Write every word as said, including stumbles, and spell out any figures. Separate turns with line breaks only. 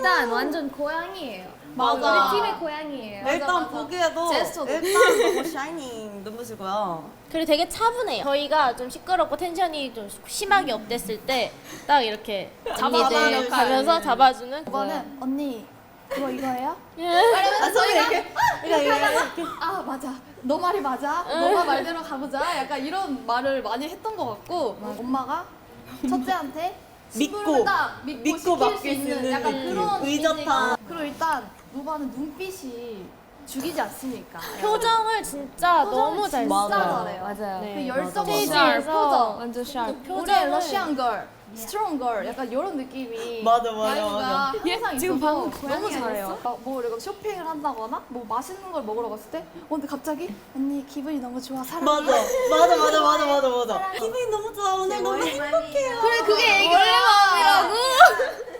일단 완전 고양이에요.
맞아.
우리 팀의 고양이에요.
일단
맞아, 맞아.
보기에도
제스처도.
일단 너무 샤이닝 눈부시고요.
그리고 되게 차분해요. 저희가 좀 시끄럽고 텐션이 좀 심하게 업됐을 때 딱 이렇게
잡아주는
언니들 가면서
역할.
잡아주는.
이거는 언니 그거 이거예요?
아, 저희가 이렇게 이렇게 이렇게
아 맞아 너 말이 맞아 너가 말대로 가보자 약간 이런 말을 많이 했던 것 같고 엄마가 첫째한테
믿고,
친구를 딱 믿고,
믿고
시킬
맡길
수 있는
수 있는
약간
느낌.
그런
의젓한.
이미지가. 그리고 일단 노바는 눈빛이 죽이지 않습니까?
표정을 진짜 너무 잘
진짜
써요.
잘해요.
맞아요.
그
네.
열정
스테이지에서
없는 표정
완전 샤르.
우리의
표정을
러시안 걸, 스트롱 걸 약간 이런 느낌이
맞아, 맞아,
야유가
맞아.
항상
지금
있어서
방금
너무
고양이
잘해요.
아니었어?
막 뭐 이렇게 쇼핑을 한다거나 뭐 맛있는 걸 먹으러 갔을 때 어, 근데 갑자기 언니 기분이 너무 좋아 사랑해.
맞아 맞아 맞아 맞아 맞아 맞아. 기분이 너무 좋아 오늘 너무 행복해요.
그래 그게 애기
원래 마음이라고.